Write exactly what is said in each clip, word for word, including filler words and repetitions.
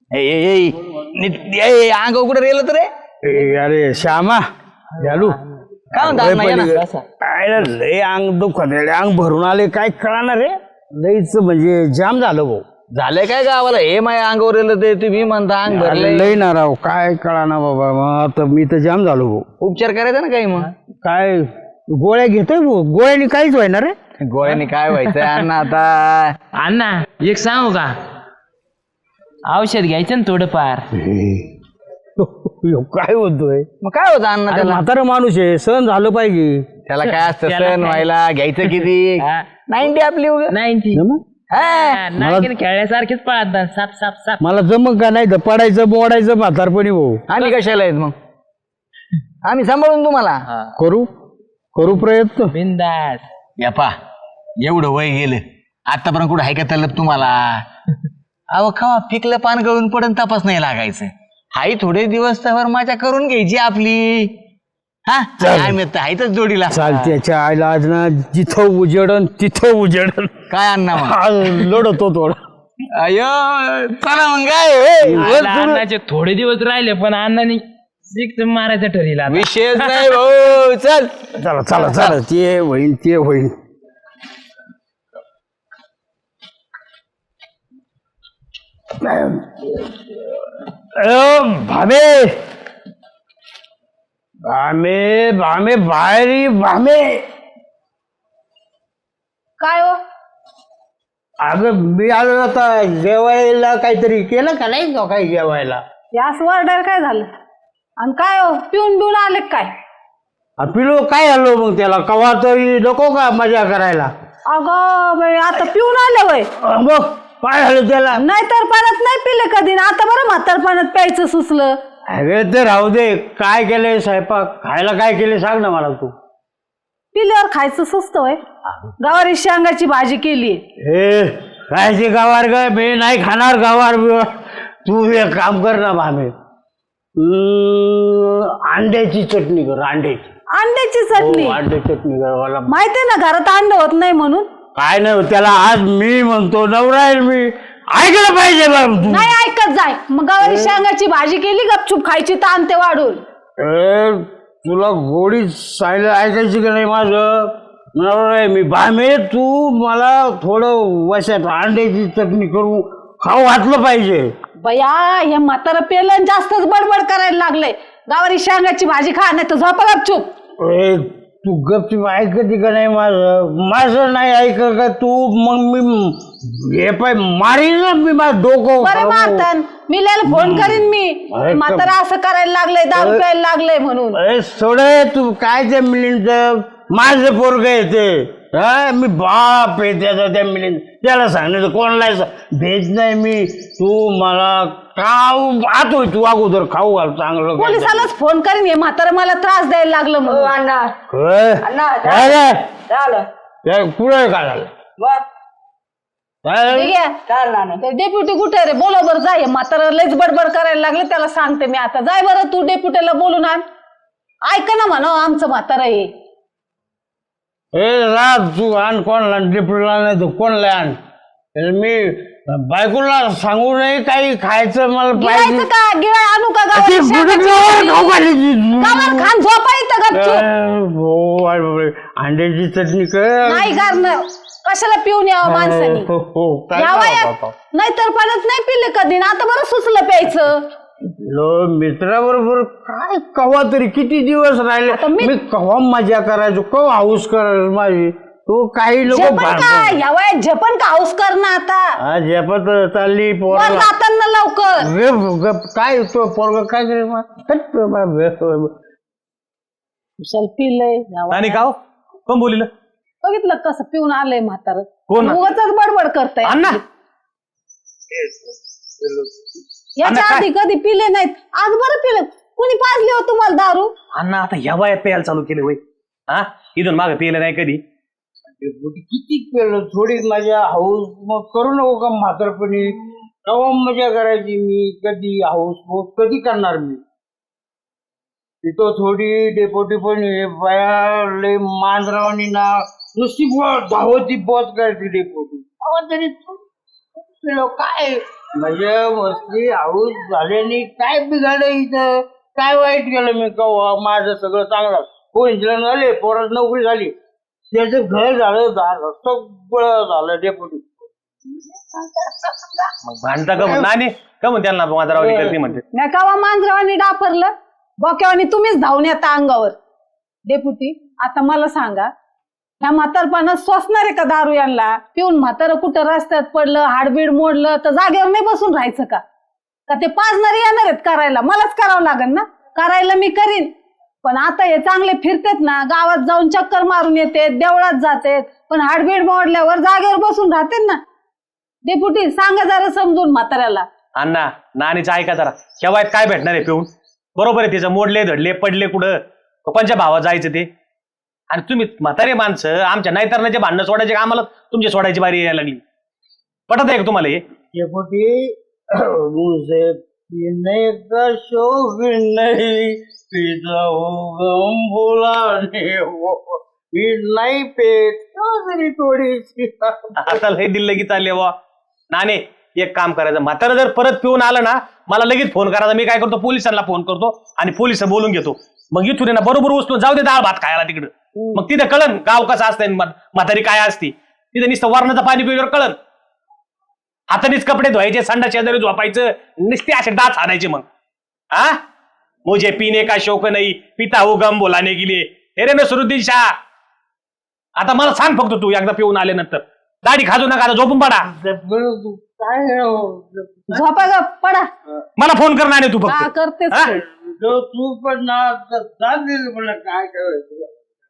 अंग कुठे रेल तर रे अरे श्यामा झालू काय म्हणता लय अंग दुखत अंग भरून आले काय कळणार रे लईच म्हणजे जाम झालं भाऊ झालंय काय गावाला हे माझ्या अंगावर येलं ते तुम्ही म्हणता अंग भरलंय लय ना राव काय कळाना बाबा मग आता मी तर जाम झालो भाऊ उपचार करायचा ना काही मग काय गोळ्या घेतोय भाऊ गोळ्यानी काहीच व्हायना रे गोळ्याने काय व्हायचंय अण्णा आता अण्णा एक सांगू का औषध घ्यायचं ना थोडंफार काय होतोय मग काय होतं अण्णा त्याला म्हातारा माणूस आहे सण झालं पाहिजे त्याला काय असतं सण व्हायला घ्यायचं किती नाईन्टी आपली नाईन्टी नागिन खेळल्यासारखेच पळतात साप साप साप मला जमक का नाही तर पडायचं बोडायचं म्हातारपणी भाऊ आम्ही कशाला आहेत मग आम्ही सांभाळून तुम्हाला करू करू प्रयत्न बिंदास यापा एवढं वय गेलं आतापर्यंत कुठं आहे का तलब तुम्हाला अहो खावा पिकलं पान गळून पडून तपास नाही लागायचं हाई थोडे दिवस तर माझ्या करून घ्यायची आपली हा आहेतच जोडीला चालत्याच्या आईला आज ना जिथं उजेडन तिथं उजेडन काय अण्णा लढतो थोडं अयो चला मग काय अण्णाचे थोडे दिवस राहिले पण अण्णाने सिक्स मारायचं ठरला विशेष नाही भाऊ चल चला चला चला ते होईन ते होईन भामे भामे भामे बाहेरी भामे काय हो अगं मी आलो आता जेवायला काहीतरी केलं का नाही का काही जेवायला यास वर्डर काय झालं आणि काय हो पिऊन बिऊन आले काय पिलो काय आलो मग त्याला कवा तरी नको का मजा करायला अगं बाई आता पिऊन आले वय मग काय झालं त्याला नाहीतर पाण्यात नाही पिले कधी ना आता बरं म्हातार पाण्यात प्यायचं सुचलं अरे ते राहू दे काय केलंय स्वयंपाक खायला काय केले सांग ना मला तू पिल्यावर खायचं सुचत वय गवारी शेंगाची भाजी केली हे खायची गावार ग मी नाही खाणार गावार बिवार तू एक काम कर ना भामे अंड्याची चटणी कर अंड्याची अंड्याची चटणी अंड्याची चटणी कर मला माहितीये ना घरात अंड होत नाही म्हणून काय नाही त्याला आज मी म्हणतो नवरा आहे मी ऐकलं पाहिजे बाबा तू नाही ऐकत जाय मग गवारी शेंगाची भाजी केली गपचूप खायची ताण ते वाढून ए तुला गोडी सायला ऐकायची का नाही माझं नवरा आहे मी भामे तू मला थोडं वशात अंड्याची चटणी करून खाऊ घातलं पाहिजे बया हे म्हातारं पेलं जास्तच बडबड करायला लागलंय गवारी शेंगाची भाजी खा नाही तर झोपा गपचूप ए तू गपचूप ऐकते का नाही माझं माझं नाही ऐक का तू मग मी हे पाय मारीन ना मी माझं डोकं बरे मारतान मी लिहायला फोन करीन मी म्हातारा असं करायला लागलंय दारू प्यायला लागलंय म्हणून अरे सोड तू काय त्या मिलिंद माझं पोरग येते हा मी बाप आहे त्याचा त्या मिलिंद त्याला सांगण्याचं कोणाला भेज नाही मी तू मला खाऊ आतोय तू अगोदर खाऊ घाल चांगलं पोलिसालाच फोन करीन हे म्हातारा मला त्रास द्यायला लागलं म्हणून पुढे काय झालं डेप्युटी कुठे रे बोला बरं जाय म्हातारा लयच बडबड करायला लागले त्याला सांगते मी आता जाय बरं तू डेप्युटीला बोलून आण ऐक ना म्हणा आमचं म्हातारा हे ए राज तू आण कोणला डेप्युटीला नाही तू कोणला आण मी बायकोला सांगू नये काही खायचं मला पाहिजे का गिळा आणू का खान झोपा इथं गपचूप अंड्याची चटणी कर नाही करणं कशाला पिऊन यावं माणसाने यावं नाहीतर पाण्यात नाही पिले कधी ना आता बरं सुचलं प्यायचं मित्राबरोबर काय कवा तरी किती दिवस राहिले मी कवा मजा करायचो कवा हाऊस करायचो माझी तो काही लोक या वयात झेपण का हाऊस कर ना आता झेपत चालली जाताना लवकर काय तो पोरग काय पिलंय आणि का कोण बोलिलं बघितलं कसं पिऊन आलंय म्हातार कोण उगाचच बडबड करताय अण्णा याच्या आधी कधी पिले नाहीत आज बरं पिलं कुणी पाजली हो तुम्हाला दारू अण्णा आता या वयात प्यायला चालू केले वय हा इथून मागे पिले नाही कधी किती पेलं थोडी मजा हाऊस मग करू नको का म्हातारपणी केव्हा मजा करायची मी कधी हाऊस हाऊस कधी करणार मी तिथं थोडी डेपोटी पण बाया मांजरावानी ना नुसती धावती बस करायची डेपोटी तरी पिलो काय म्हणजे मस्ती हाऊस झाल्याने काय बिघाड इथं काय वाईट केलं मी कवा माझं सगळं चांगलं कोइन्सिडन्स झाले पोरात नोकरी झाली त्याचं घर झालं झालं सगळं झालं डेपुटी मग भांडता का म्हणून नाही का म्हणून त्यांना मांजरावणी करते म्हणते नाही का मांजरावानी डाफरलं बोक्यावानी तुम्हीच धावून येता अंगावर. डेपुटी आता मला सांगा ह्या म्हातारपणात सोसणार आहे का दारू यांना पिऊन म्हातारं कुठं रस्त्यात पडलं हाडबीड मोडलं तर जागेवर नाही बसून राहायचं का का ते पाजणारे येणार आहेत करायला मलाच करावं लागेल ना करायला मी करीन पण आता हे चांगले फिरतेत ना गावात जाऊन चक्कर मारून येते देवळात जाते पण हाडबीड मोडल्यावर जागेवर बसून राहते ना. डेपुटी सांगा जरा समजून म्हाताऱ्याला. अण्णा नानीचं ऐका जरा केव्हा काय भेटणार आहे पिऊन बरोबर आहे तिचं मोडले धडले पडले कुठं कोणच्या भावात जायचं ते आणि तुम्ही म्हातारे माणसं आमच्या नाहीतरणाचे भांडणं सोडायचे का आम्हाला तुमची सोडायची बारी यायला लागली पटत आहे का तुम्हाला हे डेपुटी मुझे पीने का शौक नहीं पीता हूँ गम भुलाने वो नहीं पेट तरी थोडीशी आता लय दिल लगेच चालले वा नाने एक काम करायचं म्हातारं जर परत पिऊन आलं ना मला लगेच फोन करायचा मी काय करतो पोलिसांना फोन करतो आणि पोलिस बोलून घेतो मग इथून ना बरोबर उचलून जाऊ दे डाळ भात खायला तिकडं मग तिथं कळन गाव कसं असतं म्हातारी काय असती तिथं नुसतं वरणाचं पाणी पिल्यावर कळन हातानेच कपडे धुवायचे संडा शेजारी झोपायचं नुसते असे डाच आणायचे मग हा मुझे पिणे का शौक नाही पिता हो गम बोलाने गेले हे रे नसरुद्दीन शाह आता मला सांग फक्त तू एकदा पिऊन आल्यानंतर दाढी खाजू नका आता झोपून पडा काय झोपा ग पडा. मला फोन कर नाही तू हा फक्त करतेच हा? ते. जो तू पण ना दिलं मला काय करायचं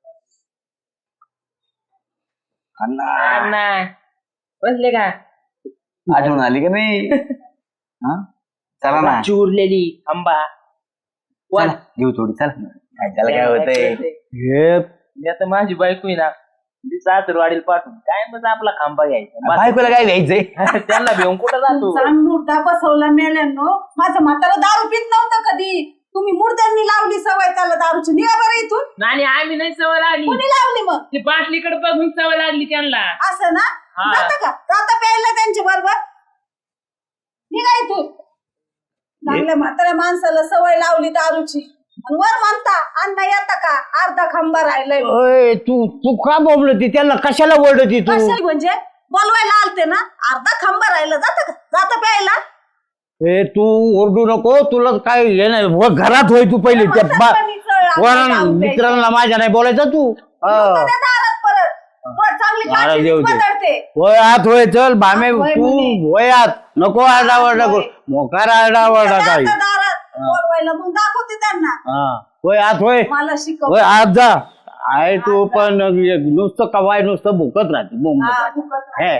अण्णा बसले का आठवण आली का नाही हा चला ना चुरलेली आंबा चला, घेऊ थोडी चला काय त्याला काय होतंय हे मी आता माझी बायको आहे ना ती सासरवाडीला पाठवून काय मग आपला खांबा घ्यायचा बायकोला काय द्यायचंय त्यांना घेऊन कुठं जातो चांग मुर्दा बसवला मेल्यानो माझं म्हातारं दारू पित नव्हतं कधी तुम्ही मुर्द्यांनी लावली सवय त्याला दारूची निघा बरं इथून. नाही आम्ही नाही सवय लागली कोणी लावली मग ती बाटलीकडे बघून सवय लागली त्यांना असं ना हा. जाता का जाता प्यायला त्यांच्या बरोबर निघा इथून. चांगल्या म्हाताऱ्या माणसाला सवय लावली दारूची आणि वर म्हणता अण्णा येता का अर्धा खांबा राहिलाय ओय, तू तू का बोलती त्याला कशाला ओरडती तू कशाला म्हणजे बोलवायला आलते ना अर्धा खांबा राहिला जाता का जाता प्यायला. ए तू ओरडू नको तुला काय हे नाही व घरात होय तू पहिले त्या बा- वरांना, मित्रांना माझ्या नाही बोलायचं तू हा. दारात परत वर चांगली महाराज काठी येऊ दे. बदलते. होय आत होय चल भामे आत होय तू म्हणे. होय आत नको आरडावरडा करू मोकार आरडावरडा काही आता दारात बोलवायला मग दाखवते त्यांना हा होय आत होय मला शिकव. होय आत जा आहे तू पण नुसतं कवाय नुसतं भुकत राहते हा, मुंबईत भुकत हे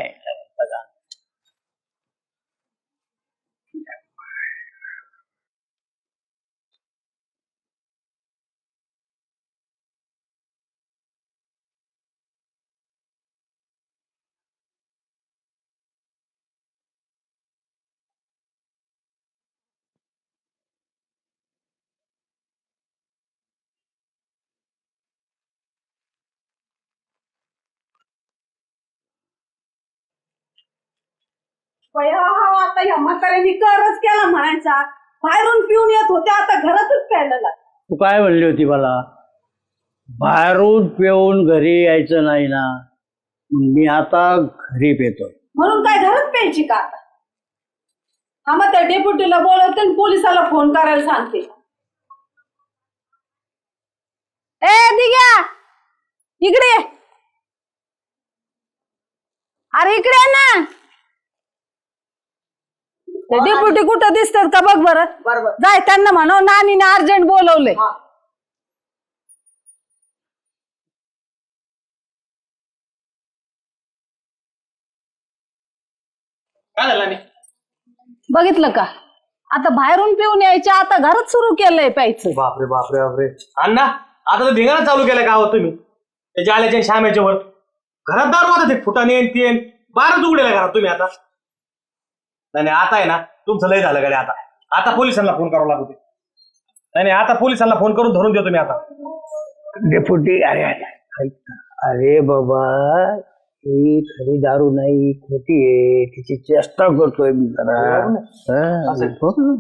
बया, हा, आता ह्या म्हाताऱ्यांनी करच केला म्हणायचा बाहेरून पिऊन येत होते आता घरातच प्यायला लागले. तू काय म्हणली होती मला बाहेरून पिऊन घरी यायचं नाही ना मी आता घरी पेतोय म्हणून काय घरात प्यायची का आता. हा मग त्या डेप्युटीला बोलवते आणि पोलिसाला फोन करायला सांगते. ए दिग्या इकडे ये. अरे इकडे ये ना. डेप्युटी कुठं दिसतात का बघ बरं. बरोबर जाय त्यांना म्हणव नानीने अर्जंट बोलवले. काय झालं नाही बघितलं का आता बाहेरून पिऊन यायच्या आता घरात सुरू केलंय प्यायचं. बापरे बापरे बापरे अण्णा आता तर धिंगाणा चालू केलं का हो तुम्ही त्याच्या आल्याच्या श्यामेच्या वर घरात दारू आता ते फुटाने तेन बारच उघडेला घरात तुम्ही आता नाही नाही, आता आहे ना तुमचं लय झालं का आता आता पोलिसांना फोन करावं लागतो नाही नाही आता पोलिसांना फोन करून धरून देतो मी आता डेपुटी अरे अरे ऐक ना. अरे बाबा ती खरी दारू नाही खोटी आहे तिची चेष्टा करतोय मी जरा हा, हो ना.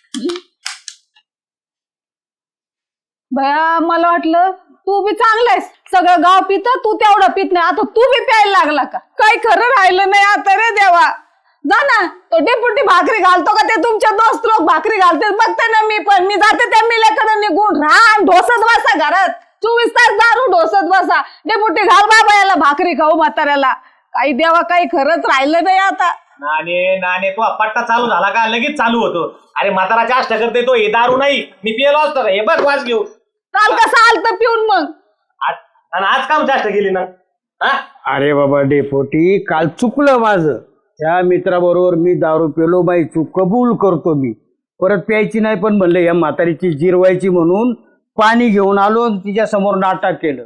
भया मला वाटलं तू बी चांगलायस सगळं गाव पित तू तेवढं पित नाही आता तू बी प्यायला लागला का काही खरं राहिलं नाही आता रे देवा जा ना तो डेपुटी भाकरी घालतो का ते तुमचे दोस्त लोक भाकरी घालते बघते ना मी पण मी जाते त्या मिल्याकडे निघून रान ढोसत बसा घरात चोवीस तास दारू ढोसत बसा डेपुटी घाल बाबा याला भाकरी खाऊ म्हाताऱ्याला काही देवा काही खरंच राहिलं नाही आता नाने नाने तो पट्टा चालू झाला का लगेच चालू होतो. अरे म्हाताराच्या आष्टा करते तो हे दारू नाही मी पिलो असतो रे. हे बघ वाज घेऊ काल कसं आलत पिऊन मग आज आणि आज काम चाष्टा केली ना हा अरे बाबा डेपोटी काल चुकलं माझं त्या मित्राबरोबर मी दारू पेलो बाई चूक कबूल करतो मी परत प्यायची नाही पण म्हणलं या म्हातारीची जिरवायची म्हणून पाणी घेऊन आलो आणि तिच्या समोर नाटक केलं.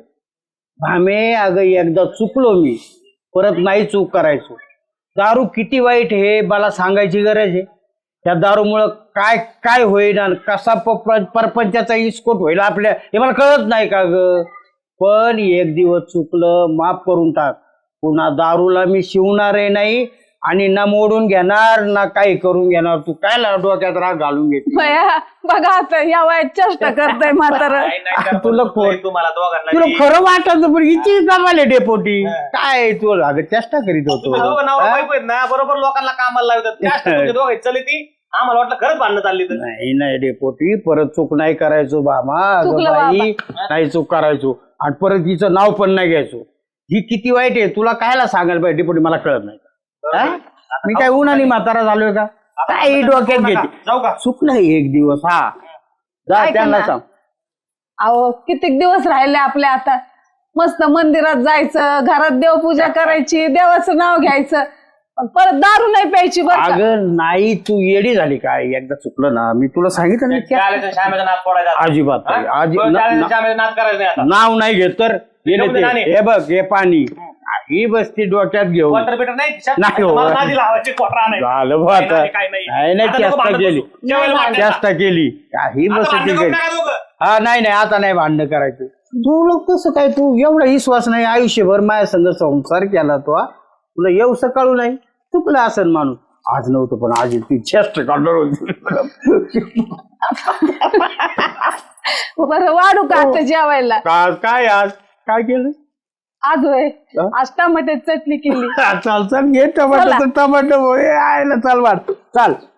भामे अगं एकदा चुकलो मी परत नाही चूक करायचो. दारू किती वाईट हे मला सांगायची गरज आहे. त्या दारूमुळं काय काय होईल आणि कसा प- परपंचाचा इस्कोट होईल आपल्या हे मला कळत नाही का ग. पण एक दिवस चुकलं माफ करून टाक. पुन्हा दारूला मी शिवणारही नाही आणि ना मोडून घेणार ना काही करून घेणार. तू काय डोक्यात राग घालून घेते भया बघा आता या वयात चेष्टा करताय म्हातारं नाही, नाही करत तुला होतो खोट- तुम्हाला दोघांना तुला मी. खरं वाटत पण हिची जमाले डेपोटी काय तू अगं चेष्टा करीत तुम्ही दोघं होतो नवरा हा? बायको आहेत ना बरोबर लोकांना कामाला लावतात जास्त तुमचे दोघं चली ती आम्हाला वाटलं खरंच भांडणं चालली तर नाही नाही डेपोटी परत चूक नाही करायचो बाबा अगं चुकलं बाई नाही चूक करायचो आणि परत हिचं नाव पण नाही घ्यायचो. ही किती वाईट आहे तुला कायला सांगायला पाहिजे डेपोटी मला कळत नाही हा? मी काय उन्हाने म्हातारा झालोय का काय डोक्यात घेते जाऊ का चुकलं एक दिवस हा जा ऐका त्यांना ना. सांग. अहो कित्येक दिवस राहिले आपले आता मस्त मंदिरात जायचं घरात देवपूजा करायची देवाचं नाव घ्यायचं पण परत दारू नाही प्यायची बरं का? अगं नाही तू येडी झाली काय एकदा चुकलं ना मी तुला सांगितलं ना त्या- चालेल श्यामेचा नाद फोडायचा अजिबात नाही. अजि- बरं, ना- चालेल, ना- श्यामेचा नाद करायचा नाही आता नाव नाही घेत तर गेले घेऊन दे ते. नाणे. हे बघ हे पाणी ही बसती डोक्यात घेऊन वॉटर बिटर नाही खिशात? नाही हो. मला नादी लावायची कोटरा नाही झालं बा काय आता नाही, काय नाही. नाही नाही आता नको चेष्टा भांडण केली बसू. जेवायला वाटायला. चेष्टा केली काही आता मस्ती भांडण केली करू नका दोघं. हा नाही नाही आता नाही भांडणं करायचं. तू लोक कसं काय तू एवढा विश्वास नाही आयुष्यभर माझ्या संग संसार केला तो हा? तुला येऊ सकाळू नाही चुकलं असेल माणूस आज नव्हतं पण आज ती चेष्ट काढणार होती. बरं वाढू का आता जेवायला आज काय आज काय केलं आज होय हा? आज टमाट्याची चटणी केली चाल चाल घे टमाटर टमाटर आयला चाल वाट चाल